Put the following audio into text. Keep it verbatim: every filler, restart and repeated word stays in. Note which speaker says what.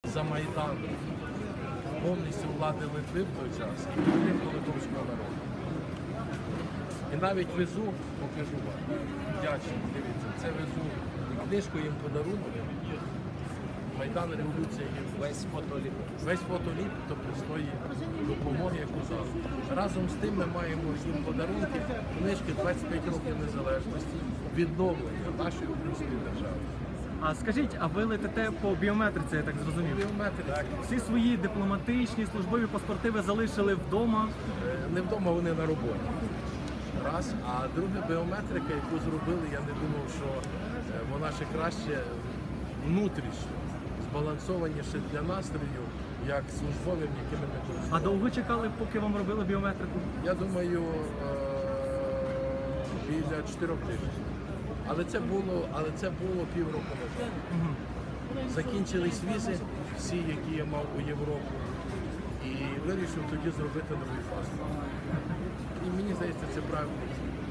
Speaker 1: за Майдан повністю влади Литви в той час і підтримку литовського народу. І навіть везу, покажу вам, вдячний, дивіться, це везу книжку їм подарунок. Майдан революція є весь фотоліп. Весь фотоліп, тобто з тої допомоги, яку зараз. Разом з тим ми маємо їм подарунки, книжки двадцять п'ять років незалежності, відновлення нашої української держави.
Speaker 2: А скажіть, а ви летите по біометриці, я так зрозумів?
Speaker 1: Біометрики.
Speaker 2: Всі свої дипломатичні, службові паспорти ви залишили вдома?
Speaker 1: Е, Не вдома, вони на роботі. Раз. А друге, біометрика, яку зробили, я не думав, що е, вона ще краще внутрішньо, збалансованіше для настрою, як службовим, якими ми
Speaker 2: А
Speaker 1: користуємося.
Speaker 2: довго чекали, поки вам робили біометрику?
Speaker 1: Я думаю, е, біля чотирьох тижнів. Але це було, але це було півроку назад. Закінчились візи, всі, які я мав у Європу, і вирішив тоді зробити новий паспорт. І мені здається, це правильно.